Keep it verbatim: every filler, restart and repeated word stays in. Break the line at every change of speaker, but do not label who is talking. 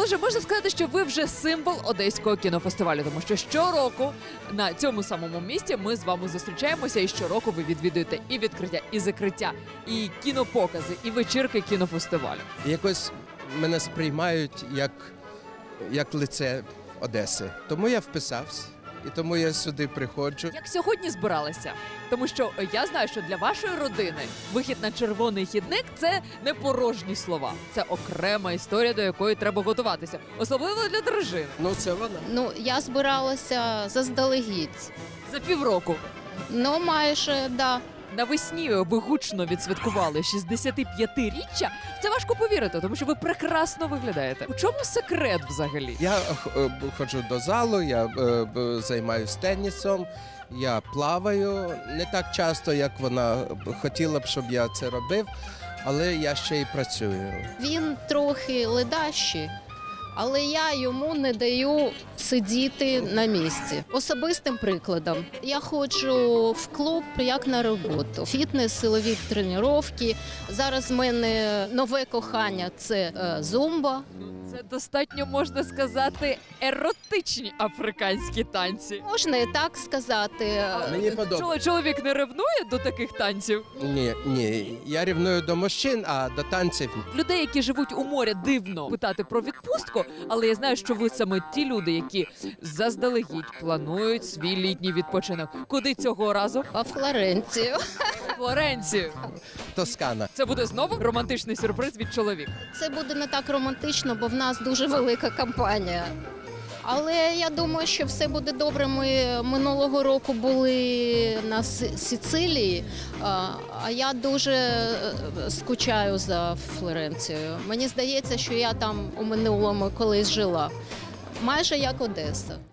Отже, можна сказати, що ви вже символ Одеського кінофестивалю, тому що щороку на цьому самому місці ми з вами зустрічаємося, і щороку ви відвідуєте і відкриття, і закриття, і кінопокази, і вечірки кінофестивалю.
Якось мене сприймають як, як лице Одеси. Тому я вписався. І тому я сюди приходжу.
Як сьогодні збиралися? Тому що я знаю, що для вашої родини вихід на червоний хідник – це не порожні слова. Це окрема історія, до якої треба готуватися. Особливо для дружини.
Ну, це вона.
Ну, я збиралася заздалегідь.
За півроку.
Ну, майже, да.
Навесні ви гучно відсвяткували шістдесятип'ятиріччя. В це важко повірити, тому що ви прекрасно виглядаєте. У чому секрет взагалі?
Я е, ходжу до залу, я е, б- займаюся тенісом, я плаваю. Не так часто, як вона хотіла б, щоб я це робив, але я ще й працюю.
Він трохи ледащий, але я йому не даю сидіти на місці. Особистим прикладом, я ходжу в клуб як на роботу. Фітнес, силові тренування. Зараз в мене нове кохання – це е, зумба.
Це достатньо, можна сказати, еротичні африканські танці.
Можна і так сказати.
Мені подобається.
Чоло- Чоловік не ревнує до таких танців?
Ні, ні, я рівную до мужчин, а до танців ні.
Людей, які живуть у морі, дивно питати про відпустку, але я знаю, що ви саме ті люди, які заздалегідь планують свій літній відпочинок. Куди цього разу?
А Флоренцію.
Флоренцію.
Тоскана.
Це буде знову романтичний сюрприз від чоловіка.
Це буде не так романтично, бо в нас дуже велика компанія. Але я думаю, що все буде добре. Ми минулого року були на С- Сицилії, а а я дуже е, скучаю за Флоренцією. Мені здається, що я там у минулому колись жила. Майже як Одеса.